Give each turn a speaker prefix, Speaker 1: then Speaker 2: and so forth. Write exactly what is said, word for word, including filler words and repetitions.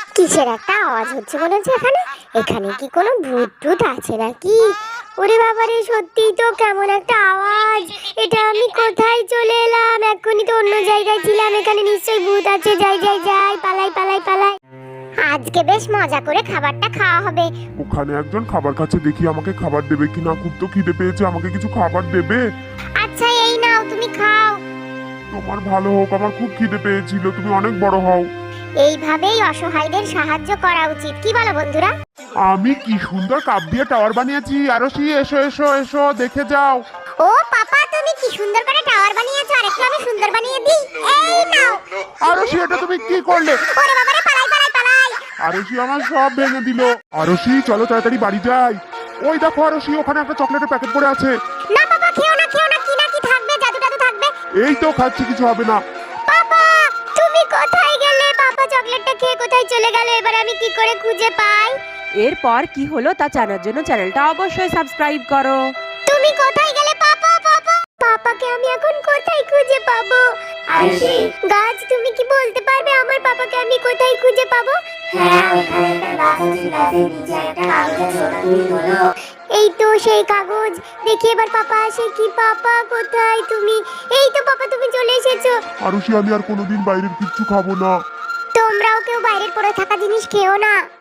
Speaker 1: কিসের একটা আওয়াজ হচ্ছে মনে হচ্ছে এখানে। এখানে কি কোনো ভূত টুত আছে নাকি? ওরে বাবারে, সত্যিই তো কেমন একটা আওয়াজ। এটা আমি কোথায় চলে এলাম? এক্ষুনি তো অন্য জায়গায় ছিলাম। এখানে নিশ্চয়ই ভূত আছে। যাই যাই যাই, পালাই পালাই পালাই। আজকে বেশ মজা করে খাবারটা খাওয়া হবে।
Speaker 2: ওখানে একজন খাবার খাচ্ছে, দেখি আমাকে খাবার দেবে কিনা। খুব তো খিদে পেয়েছে, আমাকে কিছু খাবার দেবে?
Speaker 1: আচ্ছা এই নাও, তুমি খাও।
Speaker 2: তোমার ভালো হোক, আমার খুব খিদে পেয়েছিল। তুমি অনেক বড় হও।
Speaker 1: এইভাবেই অসহায়দের সাহায্য করা উচিত, কি বলো বন্ধুরা?
Speaker 2: আমি কি সুন্দর কাপ দিয়ে টাওয়ার বানিয়েছি। আরশি, এসো এসো এসো, দেখে যাও।
Speaker 1: ও পাপা, তুমি কি সুন্দর করে টাওয়ার বানিয়েছো। আর একটু আমি সুন্দর বানিয়ে দিই। এই নাও।
Speaker 2: আরশি, এটা তুমি কি করলে?
Speaker 1: ওরে বাবারে, পালাই পালাই পালাই।
Speaker 2: আরশি আমার সব ভেঙে দিল। আরশি, চলো তাড়াতাড়ি বাড়ি যাই। ওই দেখো আরশি, ওখানে একটা চকলেটের প্যাকেট পড়ে আছে।
Speaker 1: না বাবা, খেও না খেও না। কি না কি থাকবে, জাদু টাদু থাকবে।
Speaker 2: এই তো খাচ্ছি, কিছু হবে না।
Speaker 1: পাপা, তুমি কোথায় গেলে? পাপা চকলেটটা খেয়ে কোথায় চলে গেল? এবার আমি কি করে খুঁজে পাই?
Speaker 3: এরপর কি হলো তা জানার জন্য চ্যানেলটা অবশ্যই সাবস্ক্রাইব করো।
Speaker 1: তুমি কোথায় গেলে পাপা? পাপা, পাপাকে আমি এখন কোথায় খুঁজে পাবো? আরশি গাছ, তুমি কি বলতে পারবে আমার পাপাকে আমি কোথায় খুঁজে পাবো?
Speaker 4: হ্যাঁ, ওইখানে একটা গাছ আছে, গাছের নিচে একটা কাগজ আছে, ওটা তুমি তোলো।
Speaker 1: এই তো সেই কাগজ। দেখি এবার পাপা আসে কি। পাপা কোথায় তুমি? এই তো পাপা, তুমি চলে এসেছো।
Speaker 2: আরশি, আমি আর কোনোদিন বাইরের কিচ্ছু খাবো না।
Speaker 1: তোমরাও কেউ বাইরের পড়ে থাকা জিনিস খেও না।